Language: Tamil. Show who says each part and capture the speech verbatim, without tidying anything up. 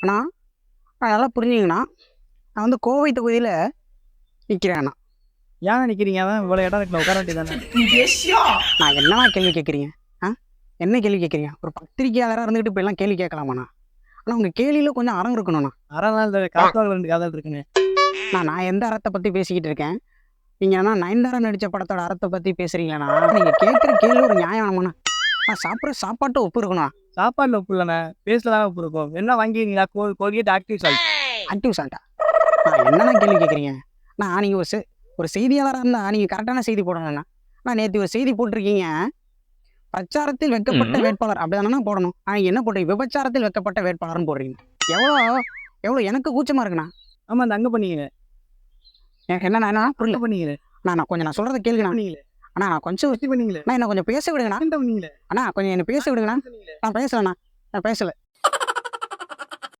Speaker 1: அண்ணா நான் நல்லா புரிஞ்சுங்கண்ணா. நான் வந்து கோவை தொகுதியில் நிற்கிறேண்ணா.
Speaker 2: ஏன் நிற்கிறீங்க? அதான் இவ்வளோ இடம் இருக்குல்ல, உட்கார வேண்டியதானே.
Speaker 1: நான் என்னண்ணா கேள்வி கேட்குறீங்க? ஆ என்ன கேள்வி கேட்குறீங்க? ஒரு பத்திரிக்கையாளராக இருந்துக்கிட்டு இப்போ எல்லாம் கேள்வி கேட்கலாமாண்ணா? ஆனால் உங்கள் கேள்வியில் கொஞ்சம் அறம் இருக்கணும்ண்ணா.
Speaker 2: அரை நாள் இந்த காத்தாவில் ரெண்டு காதல் இருக்குங்க.
Speaker 1: நான் நான் எந்த அறத்தை பற்றி பேசிக்கிட்டு இருக்கேன்? நீங்கள் என்ன நயன்தாரா நடித்த படத்தோட அறத்தை பற்றி பேசுகிறீங்களாண்ணா? நீங்கள் கேட்குற கேள்வி ஒரு நியாயம் வேணுமாண்ணா? நான் சாப்பிட்ற சாப்பாட்டு ஒப்பு இருக்கணும்.
Speaker 2: சாப்பாடில் உப்பு இல்லைண்ணே, பேஸில் தான் உப்பு இருக்கும். என்ன வாங்கிக்கிறீங்களா? கோ கோல்கேட் ஆக்டிவ் சால்ட்.
Speaker 1: ஆக்டிவ் சால்ட்டா? நான் என்னண்ணா கேள்வி கேட்குறீங்க? நான் நீங்கள் ஒரு செ- ஒரு செய்தியாளராக இருந்தால் நீங்கள் கரெக்டான செய்தி போடணும்ண்ணா. நான் நேற்று ஒரு செய்தி போட்டிருக்கீங்க, பிரச்சாரத்தில் வைக்கப்பட்ட வேட்பாளர் அப்படிதானே போடணும். ஆனால் என்ன போடுறீங்க? விபச்சாரத்தில் வைக்கப்பட்ட வேட்பாளர்னு போடுறீங்க. எவ்வளோ எவ்வளோ எனக்கு கூச்சமாக இருக்குண்ணா.
Speaker 2: ஆமாம், அந்த அங்கே பண்ணிங்க.
Speaker 1: எனக்கு என்ன என்ன புரியல.
Speaker 2: அங்கே பண்ணிங்களே
Speaker 1: நான் நான் கொஞ்சம் நான் சொல்கிறத கேளுங்கண்ணா.
Speaker 2: பண்ணீங்களே
Speaker 1: அண்ணா நான் கொஞ்சம்
Speaker 2: பண்ணீங்களே
Speaker 1: நான் என்ன கொஞ்சம் பேச விடுங்கண்ணா.
Speaker 2: பண்ணீங்களே
Speaker 1: அண்ணா கொஞ்சம் என்னை பேச விடுங்கண்ணா. நான் பேசலண்ணா, நான் பேசலை.